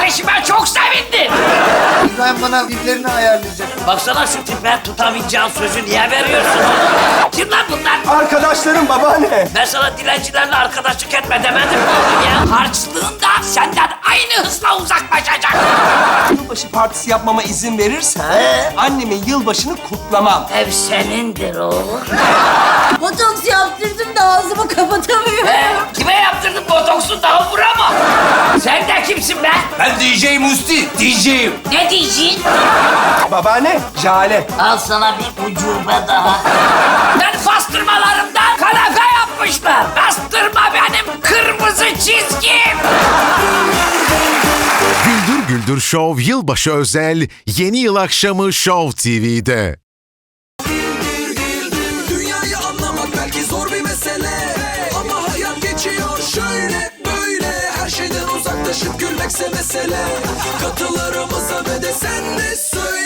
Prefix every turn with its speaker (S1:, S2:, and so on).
S1: kardeşime çok sevindim.
S2: İbrahim bana birilerini ayarlayacak.
S1: Baksana şu tipe, tutamayacağın sözü niye veriyorsun? Kim lan bunlar?
S3: Arkadaşlarım babaanne.
S1: Ben sana dilencilerle arkadaşlık etme demedim mi oğlum ya? Harçlığında senden aynı hızla uzaklaşacak.
S3: Yılbaşı partisi yapmama izin verirsen annemin yılbaşını kutlamam.
S1: Ev senindir oğlum.
S4: Botoks yaptırdım da ağzımı kapatamıyorum.
S1: Kime yaptırdın botoksu daha vuramam. Sen de kimsin be?
S5: Ben DJ Musti, DJ'yim.
S1: Ne diyeceksin?
S3: Babaanne, Jale.
S1: Al sana bir ucube daha. Ben pastırmalarımdan kanepe yapmışlar. Pastırma benim kırmızı çizgim.
S6: Güldür Güldür Show yılbaşı özel yeni yıl akşamı Show TV'de.
S7: Dünyayı anlamak belki zor bir mesele, ama hayat geçiyor şöyle böyle. Her şeyden uzaklaşıp gülmekse mesele. Katılarımıza ve de sen de söyle.